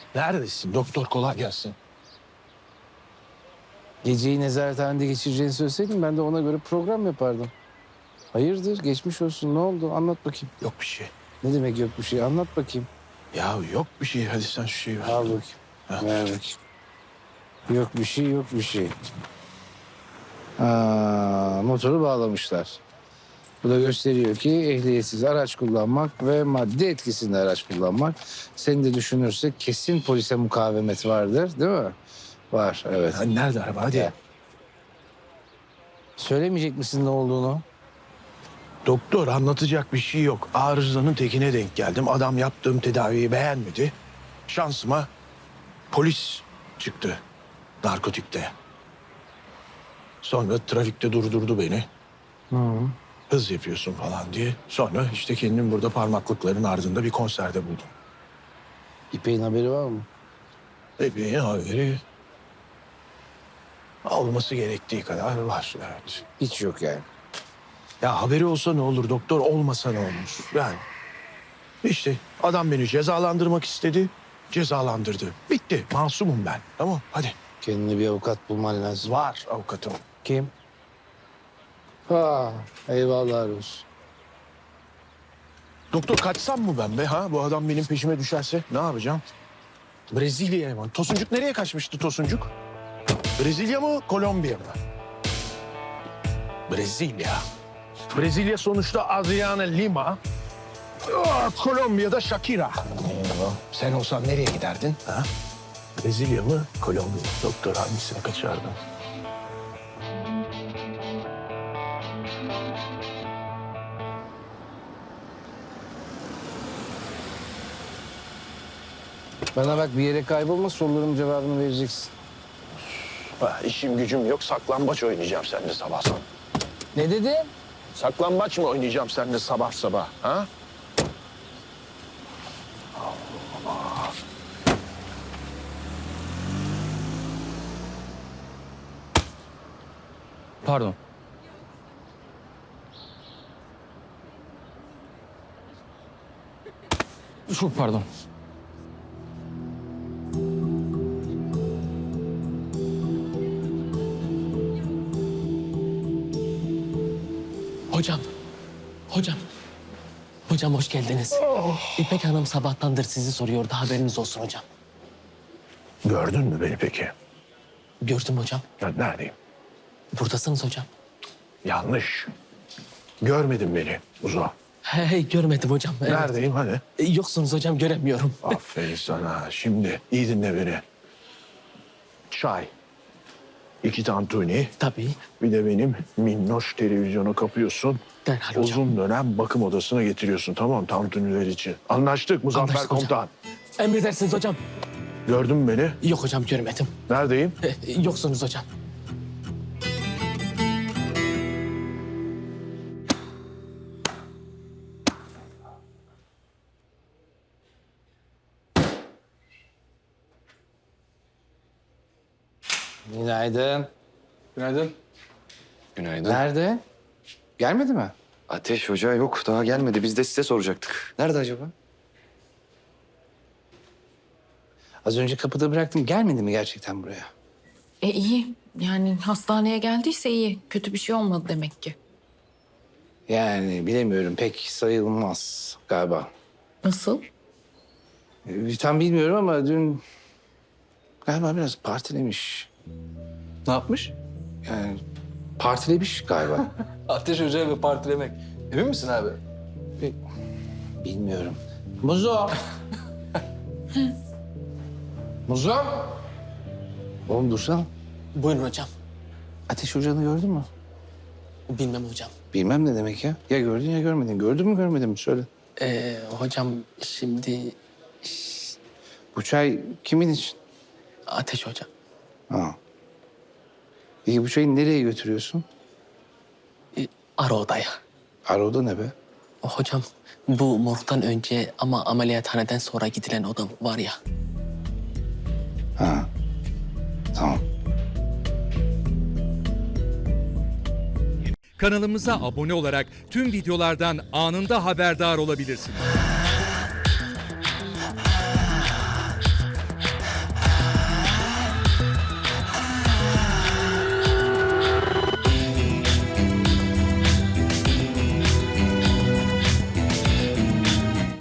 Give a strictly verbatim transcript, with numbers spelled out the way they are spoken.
Neredesin? Doktor kolay gelsin. Geceyi nezarethanede geçireceğini söyleseydin ben de ona göre program yapardım. Hayırdır, geçmiş olsun, ne oldu? Anlat bakayım. Yok bir şey. Ne demek yok bir şey? Anlat bakayım. Ya yok bir şey. Hadi sen şu şeyi ver. Al bakayım. Ha. Ver bakayım. Yok bir şey, yok bir şey. Aa, motoru bağlamışlar. Bu da gösteriyor ki ehliyetsiz araç kullanmak ve madde etkisinde araç kullanmak. Seni de düşünürsek kesin polise mukavemet vardır, değil mi? Var, evet. Ha, nerede araba? Hadi. Ya. Söylemeyecek misin ne olduğunu? Doktor anlatacak bir şey yok. Arızanın tekine denk geldim. Adam yaptığım tedaviyi beğenmedi. Şansıma polis çıktı. Narkotikte. Sonra trafikte durdurdu beni. Hı. Hız yapıyorsun falan diye. Sonra işte kendim burada parmaklıkların ardında bir konserde buldum. İpek'in haberi var mı? Bebeğin haberi olması gerektiği kadar var. Evet. Hiç yok yani. Ya haberi olsa ne olur doktor, olmasa ne olur? Yani işte adam beni cezalandırmak istedi, cezalandırdı. Bitti, masumum ben. Tamam, hadi. Kendine bir avukat bulman lazım. Var avukatım. Kim? Ha, eyvallah olsun. Doktor kaçsam mı ben be ha? Bu adam benim peşime düşerse ne yapacağım? Brezilya'ya mı? Tosuncuk nereye kaçmıştı Tosuncuk? Brezilya mı, Kolombiya mı? Brezilya. Brezilya sonuçta Adriana Lima. Aa, Kolombiya'da Shakira. Sen olsan nereye giderdin? Ha? Brezilya mı, Kolombiya mı? Doktor hangisine kaçardın? Bana bak bir yere kaybolma sorularımın cevabını vereceksin. Ha, işim gücüm yok, saklambaç oynayacağım seninle sabah sabah. Ne dedin? Saklambaç mı oynayacağım seninle sabah sabah? Ha? Pardon. Çok pardon. Hocam, hocam. Hocam hoş geldiniz. İpek Hanım sabahtandır sizi soruyordu. Haberiniz olsun hocam. Gördün mü beni peki? Gördüm hocam. Ya neredeyim? Buradasınız hocam. Yanlış. Görmedin beni Uzo. Hey, hey görmedim hocam. Evet. Neredeyim hadi? E, Yoksunuz hocam göremiyorum. Aferin sana. Şimdi iyi dinle beni. Çay. İki tantuni. Tabii. Bir de benim minnoş televizyonu kapıyorsun. Derhal hocam. Uzun dönem bakım odasına getiriyorsun, tamam mı? Tantuniler için. Anlaştık Muzaffer Anlaştık hocam. Komutan. Emredersiniz hocam. Gördün mü beni? Yok hocam görmedim. Neredeyim? E, Yoksunuz hocam. Günaydın. Günaydın. Günaydın. Nerede? Gelmedi mi? Ateş Hoca yok, daha gelmedi. Biz de size soracaktık. Nerede acaba? Az önce kapıda bıraktım. Gelmedi mi gerçekten buraya? E iyi. Yani hastaneye geldiyse iyi. Kötü bir şey olmadı demek ki. Yani bilemiyorum. Pek sayılmaz galiba. Nasıl? Ee, tam bilmiyorum ama dün galiba biraz partilemiş. Ne yapmış? Yani partilemiş galiba. Ateş Hoca ve partilemek. Emin misin abi? Pek bilmiyorum. Muzo. Muzo. Oğlum dursana. Buyurun hocam. Ateş Hoca'nı gördün mü? Bilmem hocam. Bilmem ne demek ya. Ya gördün ya görmedin. Gördün mü görmedin mi? Söyle. E, hocam şimdi Bu çay kimin için? Ateş hocam. Ha. Peki bu çayı nereye götürüyorsun? E, ara odaya. Aroda ne be? Hocam bu morgdan önce ama ameliyathaneden sonra gidilen oda var ya. Ha. Tamam. Kanalımıza abone olarak tüm videolardan anında haberdar olabilirsiniz.